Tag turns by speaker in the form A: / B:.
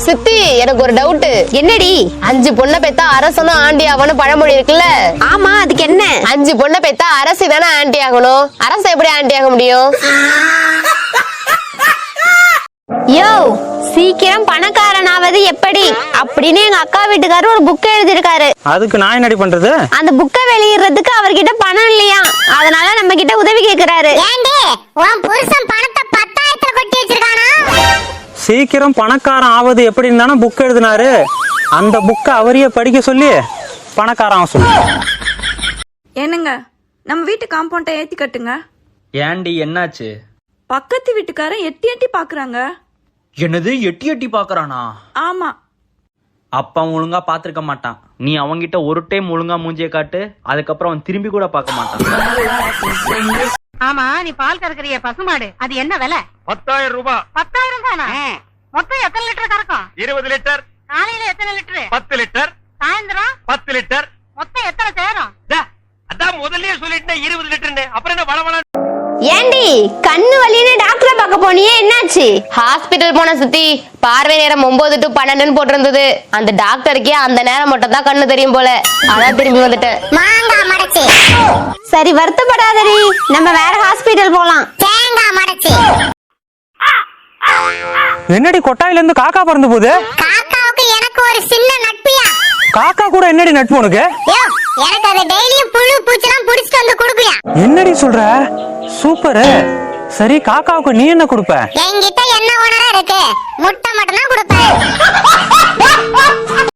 A: சித்தி, எனக்கு ஒரு டவுட்.
B: என்னடி?
A: 5 பொண்ணை பெத்தா அரசனும் ஆண்டி ஆகணும் பழமொழி இருக்குல்ல?
B: ஆமா, அதுக்கு என்ன?
A: 5 பொண்ணை பெத்தா அரசி தானே ஆண்டி ஆகணும். அரச எப்படி ஆண்டி ஆக முடியும்?
B: யோ, சீக்கிரம் பணக்காரனாவது எப்படி அப்படின்னு எங்க அக்கா வீட்டுக்காரர் ஒரு புக் எழுதிருக்காரு.
C: அதுக்கு நான் என்னடி பண்றது?
B: அந்த புக்கை வெளியிடுறதுக்கு அவர்கிட்ட பணம் இல்லையா, அதனால நம்ம கிட்ட உதவி கேக்குறாரு.
D: ஏண்டி உன் புருஷன் பணத்தை 10,000த்துல கொட்டி வச்சிருக்கானா?
C: சீக்கிரம் பணக்காரன் ஆவது எப்படின்னு தானே புக் எழுதினாரு. அந்த புக்கை அவரையே படிக்க சொல்லி பணக்காரன் சொல்லு.
E: என்னங்க, நம்ம வீட்டு காம்பவுண்டை ஏத்தி கட்டுங்க.
F: ஏண்டி என்னாச்சு?
E: பக்கத்து வீட்டுக்காரன் எட்டி எட்டி பாக்குறாங்க.
F: என்னது எட்டி எட்டி பாக்குறானா?
E: ஆமா.
F: அப்பா ஒழுங்கா பாத்துருக்க மாட்டான். நீ அவங்கிட்ட ஒரு டைம் ஒழுங்கா மூஞ்சிய காட்டு, அதுக்கப்புறம் அவன் திரும்பி கூட பார்க்க மாட்டான்.
G: ஆமா, நீ பால் கறக்குறிய பசுமாடு, அது என்ன விலை?
H: 10,000 ரூபாய்.
G: 10,000 தானா? மொத்தம் எத்தனை லிட்டர் கறக்கும்?
H: 20 லிட்டர்.
G: காலையில எத்தனை லிட்டர்?
H: 10 லிட்டர்.
G: சாயந்தரம்
H: 10 லிட்டர்.
G: மொத்தம் எத்தனை சேரும்?
H: அதான் முதல்லயே சொல்லிட்டேன் 20 லிட்டர்னு. அப்புறம் என்ன வளவள?
B: ஏண்டி, கண்ணு வலின்னு டாக்டரை பார்க்க போனியே, என்னாச்சு?
A: ஹாஸ்பிட்டல் போன சித்தி. பார்வை நேரம் 9 to 12 போட்டிருந்தது. அந்த டாக்டருக்கே அந்த நேரம் மட்டும் தான் கண்ணு தெரியும் போல. அதான் திரும்பி வந்துட்டேன்.
D: மாங்காய் மடச்சி.
B: சரி, வருத்தப்படாதடி, நம்ம வேற ஹாஸ்பிட்டல் போலாம்.
D: தேங்காய் மடச்சி.
C: என்னடி கொட்டாயில இருந்து காக்கா பறந்து போகுது?
D: காக்காவுக்கு எனக்கு ஒரு சின்ன நட்பியா?
C: காக்கா கூட என்னடி நட்பு உனக்கு?
D: யோ, எனக்கு அது டெய்லியும் புழு பூச்சிலாம் புடிச்சிட்டு வந்து குடுக்குறியா?
C: என்னடி சொல்ற? சூப்பர். சரி, காக்காவுக்கு நீ என்ன கொடுப்ப?
D: என்கிட்ட என்ன உணர இருக்கு? முட்டை மட்டும் தான் கொடுப்பேன்.